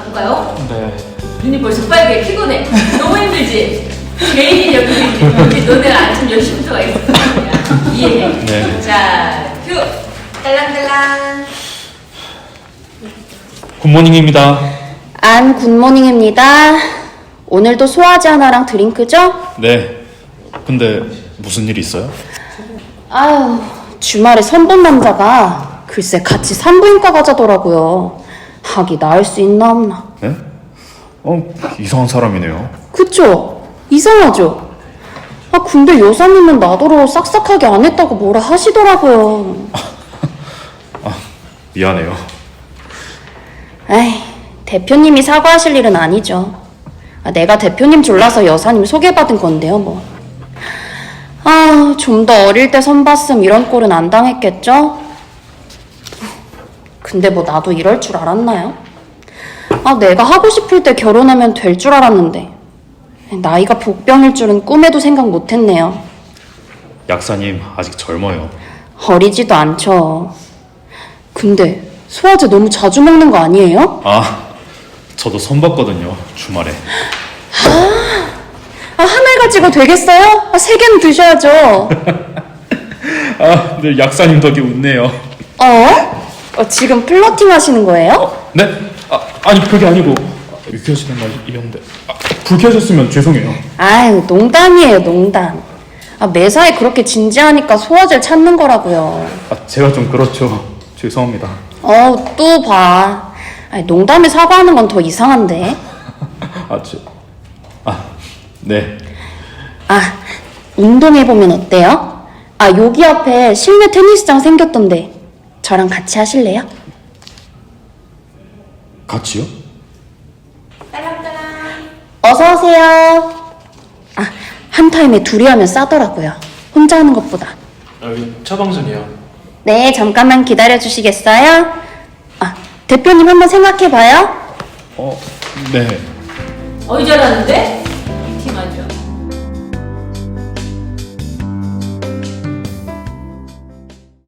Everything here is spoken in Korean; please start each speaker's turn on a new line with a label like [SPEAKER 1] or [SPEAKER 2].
[SPEAKER 1] 갈까요?
[SPEAKER 2] 네.
[SPEAKER 1] 눈이 벌써 빨개. 피곤해. 너무 힘들지? 개인이 여기 너네 아침 10시부터 가 있어. 이해해.
[SPEAKER 2] 네.
[SPEAKER 1] 자, 큐. 딸랑딸랑.
[SPEAKER 2] 굿모닝입니다.
[SPEAKER 3] 안 굿모닝입니다. 오늘도 소화제 하나랑 드링크죠?
[SPEAKER 2] 네. 근데 무슨 일 있어요?
[SPEAKER 3] 아유, 주말에 선본 남자가 글쎄 같이 산부인과 가자더라고요. 하기 나을 수 있나 없나.
[SPEAKER 2] 네? 이상한 사람이네요.
[SPEAKER 3] 그쵸? 이상하죠? 아, 근데 여사님은 나더러 싹싹하게 안 했다고 뭐라 하시더라고요.
[SPEAKER 2] 미안해요.
[SPEAKER 3] 에이, 대표님이 사과하실 일은 아니죠. 내가 대표님 졸라서 여사님 소개받은 건데요, 뭐. 아, 좀 더 어릴 때 선봤음 이런 꼴은 안 당했겠죠? 근데 뭐 나도 이럴 줄 알았나요? 내가 하고 싶을 때 결혼하면 될 줄 알았는데 나이가 복병일 줄은 꿈에도 생각 못했네요.
[SPEAKER 2] 약사님 아직 젊어요.
[SPEAKER 3] 어리지도 않죠. 근데 소화제 너무 자주 먹는 거 아니에요?
[SPEAKER 2] 저도 선봤거든요. 주말에.
[SPEAKER 3] 하나 가지고 되겠어요? 3개는 드셔야죠.
[SPEAKER 2] 네, 약사님 덕에 웃네요.
[SPEAKER 3] 지금 플러팅 하시는 거예요?
[SPEAKER 2] 네? 아니 그게 아니고 유쾌하시는 말이었는데 불쾌하셨으면 죄송해요.
[SPEAKER 3] 아유, 농담이에요, 농담. 매사에 그렇게 진지하니까 소화제를 찾는 거라고요.
[SPEAKER 2] 제가 좀 그렇죠. 죄송합니다.
[SPEAKER 3] 또 봐. 농담에 사과하는 건 더 이상한데.
[SPEAKER 2] 네.
[SPEAKER 3] 운동해보면 어때요? 여기 앞에 실내 테니스장 생겼던데 저랑 같이 하실래요?
[SPEAKER 2] 같이요?
[SPEAKER 1] 딸랑딸랑.
[SPEAKER 3] 어서오세요. 한 타임에 둘이 하면 싸더라고요. 혼자 하는 것보다.
[SPEAKER 4] 여기 처방전이요.
[SPEAKER 3] 네, 잠깐만 기다려주시겠어요? 대표님 한번 생각해봐요.
[SPEAKER 2] 네.
[SPEAKER 1] 어이 잘하는데?